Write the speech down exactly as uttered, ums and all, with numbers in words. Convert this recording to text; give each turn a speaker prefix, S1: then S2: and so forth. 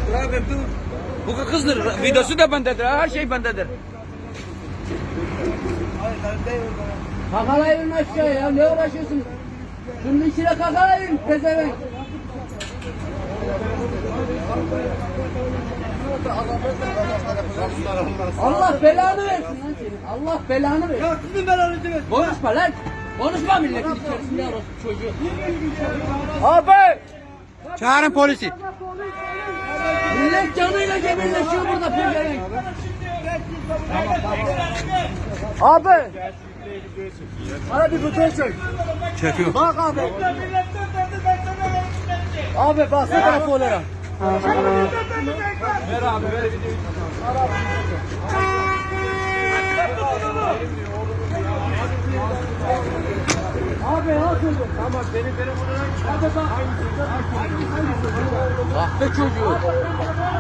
S1: Abi dur. Bu kızdır. Videosu da bendedir. Her şey bendedir.
S2: Kakalayın aşağıya. Ne uğraşıyorsun? Şunun içine kakalayın. Pezevenk. Allah belanı versin lan senin. Allah belanı versin.
S1: Ya sizin belanızı versin.
S2: Konuşma lan. Konuşma milletin içerisinde orası çocuğu.
S1: Abi! Çağırın polisi.
S2: Millet canıyla cebirleşiyor burada pezevenk. Abi. Bana bir fotoğraf çek.
S1: Çekiyor.
S2: Bak abi. Abi baksana telefonlara.
S1: Ver abi ver videoyu.
S2: Abi nasıl?
S1: Tamam benim telefonuna.
S2: Hadi bak. Kahpe çocuğu.